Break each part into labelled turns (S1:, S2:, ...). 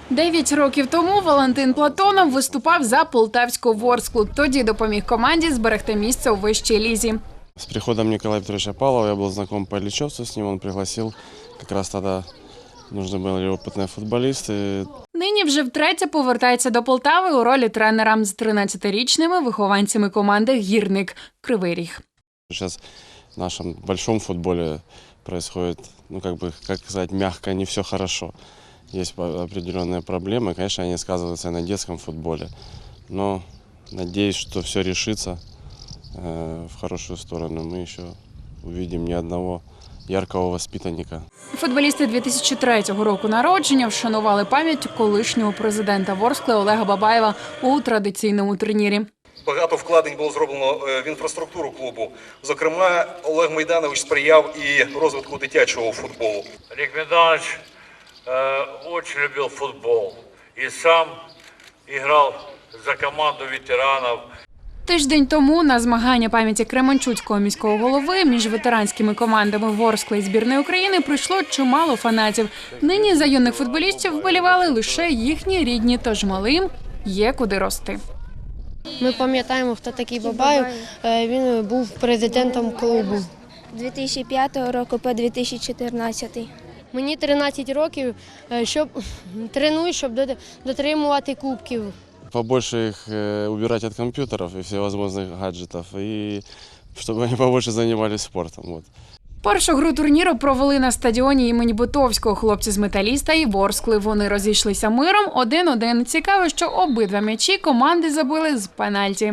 S1: 9 років тому Валентин Платонов виступав за Полтавську Ворсклу. Тоді допоміг команді зберегти місце у вищій лізі.
S2: С приходом Николая Петровича Павлова я был знаком по Ильичевцу с ним. Он пригласил, как раз тогда нужны были опытные футболисты.
S1: Нині вже втретє повертається до Полтави у ролі тренера з 13-річними вихованцями команди «Гірник» Кривий Ріг.
S2: Сейчас в нашем большом футболе происходит, как сказать, мягко, не все хорошо. Есть определенные проблемы, конечно, они сказываются и на детском футболе. Но надеюсь, что все решится в хорошую сторону. Мы еще увидим не одного яркого воспитанника.
S1: Футболісти 2003 року народження вшанували пам'ять колишнього президента Ворскли Олега Бабаєва у традиційному турнірі.
S3: Багато вкладень було зроблено в інфраструктуру клубу. Зокрема, Олег Майданович сприяв і розвитку дитячого футболу.
S4: Олег Майданович очень любил футбол и сам играл за команду ветеранов.
S1: Тиждень тому на змагання пам'яті Кременчуцького міського голови між ветеранськими командами Ворскли і збірної України прийшло чимало фанатів. Нині за юних футболістів вболівали лише їхні рідні, тож малим є куди рости.
S5: Ми пам'ятаємо, хто такий Бабаєв. Він був президентом клубу.
S6: 2005 року по 2014.
S5: Мені 13 років, треную, щоб дотримувати кубків.
S2: Побольше их убирать от компьютеров и всевозможных гаджетов, и чтобы они побольше занимались спортом. Вот.
S1: Першу гру турніру провели на стадіоні імені Бутовського. Хлопці з «Металіста» і Ворскли. Вони розійшлися миром 1-1. Цікаво, що обидва м'ячі команди забили з пенальті.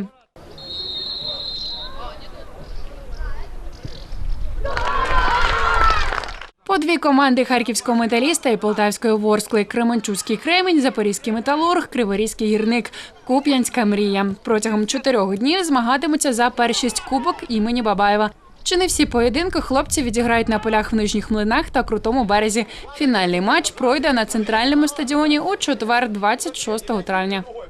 S1: По дві команди харківського «Металіста» і полтавської Ворскли. Кременчуцький «Кремінь», запорізький «Металург», Криворізький «Гірник», Куп'янська «Мрія». Протягом 4 днів змагатимуться за першість кубок імені Бабаєва. Чи не всі поєдинки хлопці відіграють на полях в Нижніх Млинах та Крутому Березі. Фінальний матч пройде на центральному стадіоні у четвер, 26 травня.